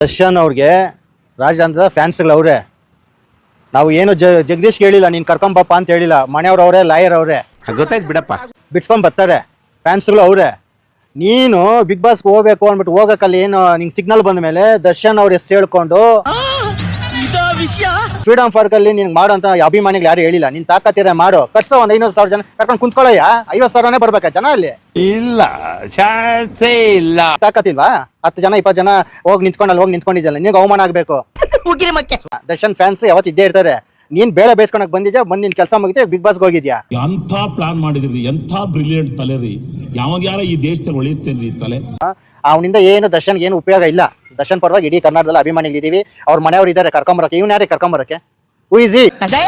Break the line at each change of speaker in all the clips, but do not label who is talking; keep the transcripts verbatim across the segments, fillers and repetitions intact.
ದರ್ಶನ್ ಅವ್ರಿಗೆ ರಾಜಾಂತರ ಫ್ಯಾನ್ಸ್ಗಳು ಅವರೇ. ನಾವು ಏನು ಜ ಜಗದೀಶ್ಗೆ ಹೇಳಿಲ್ಲ, ನೀನು ಕರ್ಕೊಂಬಪ್ಪ ಅಂತ ಹೇಳಿಲ್ಲ. ಮನೆಯವ್ರು ಅವರೇ, ಲಾಯರ್ ಅವರೇ,
ಗೊತ್ತಾಯ್ತು ಬಿಡಪ್ಪ,
ಬಿಡ್ಸ್ಕೊಂಡ್ ಬರ್ತಾರೆ. ಫ್ಯಾನ್ಸ್ಗಳು ಅವರೇ. ನೀನು ಬಿಗ್ ಬಾಸ್ಗೆ ಹೋಗ್ಬೇಕು ಅಂದ್ಬಿಟ್ಟು ಹೋಗಕ್ಕಲ್ಲಿ ಏನು ನಿಂಗೆ ಸಿಗ್ನಲ್ ಬಂದ ಮೇಲೆ ದರ್ಶನ್ ಅವ್ರ ಹೆಸರು ಹೇಳ್ಕೊಂಡು ಫ್ರೀಡಮ್ ಪಾರ್ಕ್ ಅಲ್ಲಿ ನಿನ್ಗೆ ಮಾಡೋ ಅಂತ ಅಭಿಮಾನಿಗಳು ಯಾರು ಹೇಳಿಲ್ಲ. ನೀನ್ ತಾಕತ್ತಿರ ಮಾಡು, ಕಟ್ಸೋ ಒಂದ್ ಐನೂರು ಸಾವಿರ ಜನ ಕರ್ಕೊಂಡು ಕುಂತ್ಕೊಳ್ಳಯ್ಯ. ಐವತ್ ಸಾವಿರನೇ ಬರ್ಬೇಕಾ ಜನ ಅಲ್ಲಿ?
ಇಲ್ಲ, ಚಾನ್ಸೇ ಇಲ್ಲ.
ತಾಕತ್ತಿಲ್ವಾ? ಹತ್ತು ಜನ ಇಪ್ಪತ್ತು ಜನ ಹೋಗಿ ನಿಂತ್ಕೊಂಡು ಅಲ್ಲಿ ಹೋಗಿ ನಿಂತ್ಕೊಂಡಿದ್ದಲ್ಲ, ನಿನ್ಗೆ ಅವಮಾನ ಆಗ್ಬೇಕು. ದರ್ಶನ್ ಫ್ಯಾನ್ಸ್ ಯಾವತ್ತು ಇದ್ದೇ ಇರ್ತಾರೆ. ನೀನ್ ಬೇಳೆ ಬೇಯಿಸ್ಕೊಳಕ್ ಬಂದಿದ್ಯಾ, ಬಂದ್ ನಿನ್ ಕೆಲಸ ಮುಗಿದ್ರೆ ಬಿಗ್ ಬಾಸ್ಗೆ ಹೋಗಿದ್ಯಾ.
ಎಂಥ ಪ್ಲಾನ್ ಮಾಡಿದ್ರಿ, ಎಂಥ ಬ್ರಿಲಿಯಂಟ್ ತಲೆ ರೀ. ಯಾವಾಗ ಯಾರ ಈ ದೇಶದಲ್ಲಿ ಒಳಿತೇನ್ರಿ ತಲೆ.
ಅವನಿಂದ ಏನು ದರ್ಶನ್ಗೆ ಏನು ಉಪಯೋಗ ಇಲ್ಲ. ದರ್ಶನ್ ಪರವಾಗಿ ಇಡೀ ಕರ್ನಾಟಕದಲ್ಲಿ ಅಭಿಮಾನಿಗಳಿದೀವಿ. ಅವ್ರ ಮನೆಯವ್ರು ಇದ್ದಾರೆ ಕರ್ಕೊಂಬರಕ್ಕೆ. ಇವ್ನ ಯಾರೇ ಕರ್ಕೊಂಬರಕ್ಕೆ? ಉಯಿಸಿ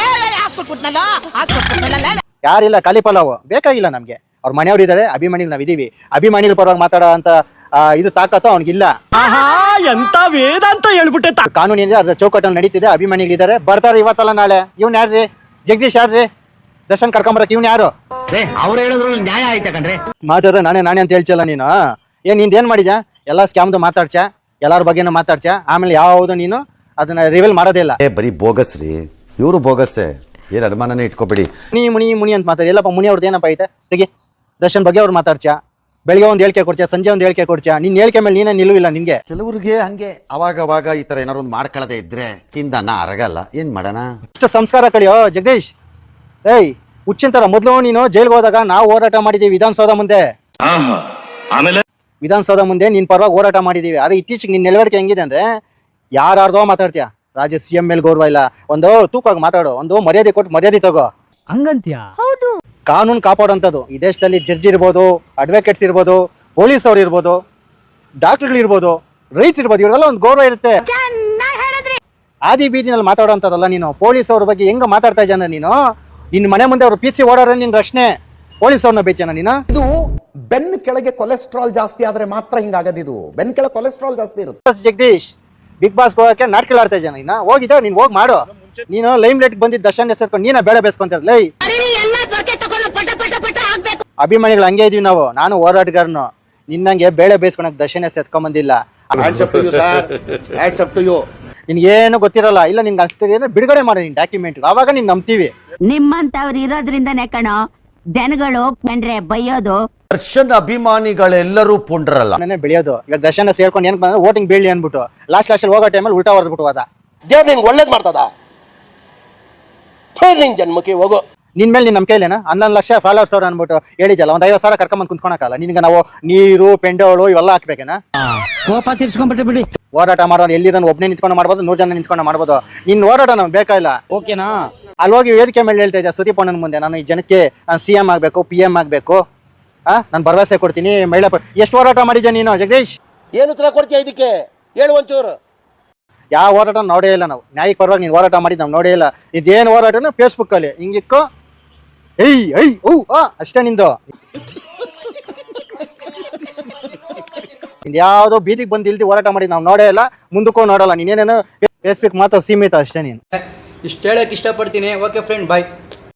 ಯಾರಿಲ್ಲ, ಖಾಲಿ ಪಲಾವ್ ಬೇಕಾಗಿಲ್ಲ ನಮ್ಗೆ. ಅವ್ರ ಮನೆಯವ್ರು ಇದ್ದಾರೆ, ಅಭಿಮಾನಿಗಳು ನಾವ್ ಇದೀವಿ. ಅಭಿಮಾನಿಗಳ ಪರವಾಗಿ ಮಾತಾಡೋ ಅಂತ ಇದು ತಾಕತ್ತು ಅವ್ನಿಗಿಲ್ಲ.
ಎಂತ ವೇದ ಅಂತ ಹೇಳ್ಬಿಟ್ಟೆ.
ಕಾನೂನು ಏನಿದೆ ಅದ್ರ ಚೌಕಟ್ಟಲ್ಲಿ ನಡೀತಿದೆ. ಅಭಿಮಾನಿಗಳಿದ್ದಾರೆ, ಬರ್ತಾರೆ ಇವತ್ತಲ್ಲ ನಾಳೆ. ಇವ್ನ ಯಾರ್ರಿ? ಜಗದೀಶ್ ಯಾರ್ರಿ? ದರ್ಶನ್ ಕರ್ಕೊಂಬರಕ್ಕೆ ಇವ್ನ ಯಾರು?
ಅವ್ರು ಹೇಳಿದ್ರು ನ್ಯಾಯ ಆಯ್ತಾ ಕಣ್ರಿ.
ಮಾತಾಡ ನಾನೇ ನಾನೇ ಅಂತ ಹೇಳ್ಚಲ್ಲ ನೀನು. ಏನ್ ನಿಂದ ಏನ್ ಮಾಡಿದ್ಯಾ? ಎಲ್ಲಾ ಸ್ಕ್ಯಾಮ್ದು ಮಾತಾಡ್ಚ, ಎಲ್ಲಾರ ಬಗ್ಗೆನೂ ಮಾತಾಡ್ಚ, ಆಮೇಲೆ ಯಾವ್ದು ನೀನು ಅದನ್ನ ರಿವೀಲ್ ಮಾಡೋದೇ ಇಲ್ಲ.
ಏ ಬರೀ ಬೋಗಸ್ ರೀ, ಇವರು ಬೋಗಸ್ಸೇ, ಏನ್ ಅನುಮಾನನೇ ಇಟ್ಕೋಬೇಡಿ.
ಮುನಿ ಮುನಿ ಮುನಿ ಅಂತ ಮಾತಾಡಿ. ಎಲ್ಲಪ್ಪ ಮುನಿ ಅವ್ರದ್ದು ಏನಪ್ಪ ಐತೆ? ತೆಗಿ. ದರ್ಶನ್ ಬಗ್ಗೆ ಅವ್ರು ಮಾತಾಡ್ಚ, ಬೆಳಿಗ್ಗೆ ಒಂದು ಹೇಳಿಕೆ ಕೊಡ್ಚ, ಸಂಜೆ ಒಂದು ಹೇಳಿಕೆ ಕೊಡ್ಚ. ನಿನ್ ಹೇಳಿಕೆ ಮೇಲೆ ನೀನೇ ನಿಲ್ಲುವಿಲ್ಲ. ನಿನ್ಗೆ
ಕೆಲವ್ರಿಗೆ ಹಂಗೆ ಅವಾಗ ಅವಾಗ ಈ ತರ ಏನಾರು ಒಂದು ಮಾಡ್ಕೊಳ್ಳದೆ ಇದ್ರೆ ತಿಂದನ್ನ ಅರಗಲ್ಲ. ಏನ್ ಮಾಡೋಣ?
ಇಷ್ಟು ಸಂಸ್ಕಾರ ಕಳಿಯೋ ಜಗದೀಶ್. ಏಯ್ ಹುಚ್ಚಿಂತರ ಮೊದಲು ನೀನು ಜೈಲ್ಗೆ ಹೋದಾಗ ನಾವು ಹೋರಾಟ ಮಾಡಿದೀವಿ ವಿಧಾನಸೌಧ ಮುಂದೆ.
ಆಮೇಲೆ
ವಿಧಾನಸೌಧ ಮುಂದೆ ನಿನ್ ಪರವಾಗಿ ಹೋರಾಟ ಮಾಡಿದೀವಿ. ಅದೇ ಇತ್ತೀಚೆಗೆ ನಿನ್ ನೆಲವರಿಕೆ ಹೆಂಗಿದೆ ಅಂದ್ರೆ ಯಾರ್ದೋ ಮಾತಾಡ್ತೀಯ. ರಾಜ್ಯ ಸಿ ಎಂ ಮೇಲೆ ಗೌರವ ಇಲ್ಲ. ಒಂದು ತೂಕವಾಗಿ ಮಾತಾಡು, ಒಂದು ಮರ್ಯಾದೆ ಕೊಟ್ಟು ಮರ್ಯಾದೆ ತಗೋ.
ಹಂಗಂತ್ಯಾ?
ಕಾನೂನು ಕಾಪಾಡುವಂಥದ್ದು ಈ ದೇಶದಲ್ಲಿ ಜಡ್ಜ್ ಇರ್ಬೋದು, ಅಡ್ವೊಕೇಟ್ಸ್ ಇರ್ಬೋದು, ಪೊಲೀಸ್ ಅವ್ರು ಇರ್ಬೋದು, ಡಾಕ್ಟರ್ಗಳು ಇರ್ಬೋದು, ರೈತ ಇರ್ಬೋದು, ಇವರೆಲ್ಲ ಒಂದು ಗೌರವ ಇರುತ್ತೆ. ಆದಿ ಬೀದಿನಲ್ಲಿ ಮಾತಾಡುವಂಥದ್ದಲ್ಲ ನೀನು. ಪೊಲೀಸ್ ಅವ್ರ ಬಗ್ಗೆ ಹೆಂಗ ಮಾತಾಡ್ತಾ ಇದ್ದಾನ ನೀನು? ನಿನ್ನ ಮನೆ ಮುಂದೆ ಅವ್ರು ಪಿ ಸಿ ಓಡಾಡ್ರೆ ನಿನ್ ರಕ್ಷಣೆ. ಪೊಲೀಸ್ ಅವ್ರನ್ನ ಬೇಚನ ನೀನು.
ಇದು ಬೆನ್ ಕೆಳಗೆ ಕೊಲೆಸ್ಟ್ರಾಲ್ ಜಾಸ್ತಿ ಆದ್ರೆ ಮಾತ್ರ ಹಿಂಗಾಗದು. ಇದು ಬೆನ್ ಕೆಳಗೆ ಕೊಲೆಸ್ಟ್ರಾಲ್ ಜಾಸ್ತಿ ಇರುತ್ತೆ.
ಜಗದೀಶ್ ಬಿಗ್ ಬಾಸ್ ಹೋಗಕ್ಕೆ ನಾಟಕ ಆಡ್ತಾ ಇದ್ದಾನ. ನೀನು ಹೋಗಿದ್ದ, ನೀನ್ ಹೋಗಿ ಮಾಡು. ನೀನು ಲೈಮ್ ಲೈಟ್ ಬಂದಿದ್ದ ದರ್ಶನ್ ಹೆಸರ್ಕೊಂಡು ನೀನ ಬೇಳೆ ಬೇಸ್ಕೊಂತ ಲೈ. ಅಭಿಮಾನಿಗಳು ಹಂಗೆ ಇದೀವಿ ನಾವು. ನಾನು ಹೋರಾಟಗಾರನು. ನಿನ್ನಂಗೆ ಬೇಳೆ ಬೇಯಿಸ್ಕೊಳಕ್ ದರ್ಶನ್ ಹೆಸರು ಎತ್ಕೊಂಡ್ ಬಂದಿಲ್ಲ. ನಿನ್ಗೇನು ಗೊತ್ತಿರಲ್ಲ. ಇಲ್ಲ ನಿನ್ಗೆ ಅನ್ಸ್ತಿದೆ ಅಂದ್ರೆ ಬಿಡುಗಡೆ ಮಾಡಿ ನಿನ್ ಡಾಕ್ಯುಮೆಂಟ್, ಅವಾಗ ನೀನ್ ನಂಬ್ತೀವಿ.
ನಿಮ್ಮಂತವ್ರು ಇರೋದ್ರಿಂದನೇ ಕಣೋ ಜನಗಳು ಕಂಡ್ರೆ ಬೈಯೋದು.
ದರ್ಶನ್ ಅಭಿಮಾನಿಗಳೆಲ್ಲರೂ ಪುಂಡ್ರಲ್ಲ,
ನಾನೇ ಬೆಳೆಯೋದು. ಈಗ ದರ್ಶನ ಸೇರ್ಕೊಂಡು ಏನ್ ಬಂದ್ರೆ ವೋಟಿಂಗ್ ಬೀಳಿ ಅನ್ಬಿಟ್ಟು ಲಾಸ್ಟ್ ಲಾಸ್ಟ್ ಹೋಗೋ ಟೈಮಲ್ಲಿ ಉಲ್ಟಾ ಹೊಡೆದ್ಬಿಟ್ಟು ಹೋದ.
ದೇವ್ರು ನಿನ್ಗೆ ಒಳ್ಳೇದ್ ಮಾಡ್ತದ. ನಿನ್ ಜನ್ಮಕ್ಕೆ ಹೋಗೋ.
ನಿನ್ ಮೇಲೆ ನಿನ್ ನಂಬಿಕೆ ಇಲ್ಲೇನ? ಹನ್ನೊಂದು ಲಕ್ಷ ಫಾಲೋವರ್ಸ್ ಅವ್ರು ಅನ್ಬಿಟ್ಟು ಹೇಳಿದಲ್ಲ. ಒಂದ್ ಐವತ್ತು ಸಾವಿರ ಕರ್ಕೊಂಡ್ ಕುಂತ್ಕೊಳಕಲ್ಲ. ನಿನ್ಗೆ ನಾವು ನೀರು ಪೆಂಡೋಳು ಇವೆಲ್ಲ ಹಾಕ್ಬೇಕೇನ?
ಕೋಪ ತೀರ್ಸ್ಕೊಂಡ್ಬಿಟ್ಟೆ ಬಿಡಿ.
ಹೋರಾಟ ಮಾಡೋರು ಎಲ್ಲಿ ಒಬ್ಬನೇ ನಿಂತ್ಕೊಂಡು ಮಾಡ್ಬೋದು, ನೂರು ಜನ ನಿಂತ್ಕೊಂಡು ಮಾಡ್ಬೋದು. ನಿನ್ ಹೋರಾಟ ನಮ್ಗೆ ಬೇಕಾಗಿಲ್ಲ, ಓಕೆನಾ? ಅಲ್ಲಿ ಹೋಗಿ ವೇದಿಕೆ ಮೇಲೆ ಹೇಳ್ತಾ ಇದ್ದೆ ಸುದೀಪ್ ಅಣ್ಣನ ಮುಂದೆ, ನಾನು ಈ ಜನಕ್ಕೆ ನಾನು ಸಿ ಎಂ ಆಗ್ಬೇಕು, ಪಿ ಎಂ ಆಗ್ಬೇಕು, ಆ ನಾನು ಭರವಸೆ ಕೊಡ್ತೀನಿ ಮಹಿಳಾ. ಎಷ್ಟು ಹೋರಾಟ ಮಾಡಿದ್ಯಾ ನೀನು ಜಗದೀಶ್?
ಏನು ಉತ್ತರ ಕೊಡ್ತೀಯ ಇದಕ್ಕೆ? ಹೇಳು ಒಂಚೂರು.
ಯಾವ ಹೋರಾಟ ನೋಡೇ ಇಲ್ಲ ನಾವು. ನ್ಯಾಯಕ್ಕೆ ಪರವಾಗಿ ನೀನು ಹೋರಾಟ ಮಾಡಿದ್ ನಾವು ನೋಡೇ ಇಲ್ಲ. ಇದೇನು ಹೋರಾಟನ ಫೇಸ್ಬುಕ್ ಅಲ್ಲಿ ಹಿಂಗಿಕ್ಕೋ ಏಯ್ ಐ ಓ ಆ ಅಷ್ಟೇ ನಿಂದು. ಯಾವ್ದೋ ಬೀದಿಗೆ ಬಂದು ಇಲ್ದಿ ಹೋರಾಟ ಮಾಡಿದ್ ನಾವು ನೋಡೇ ಇಲ್ಲ, ಮುಂದಕ್ಕೂ ನೋಡಲ್ಲ. ನೀನೇನೇನು ಫೇಸ್ಬುಕ್ ಮಾತ್ರ ಸೀಮಿತ ಅಷ್ಟೇ ನೀನು.
ಇಷ್ಟು ಹೇಳಕ್ಕೆ ಇಷ್ಟಪಡ್ತೀನಿ. ಓಕೆ ಫ್ರೆಂಡ್, ಬಾಯ್.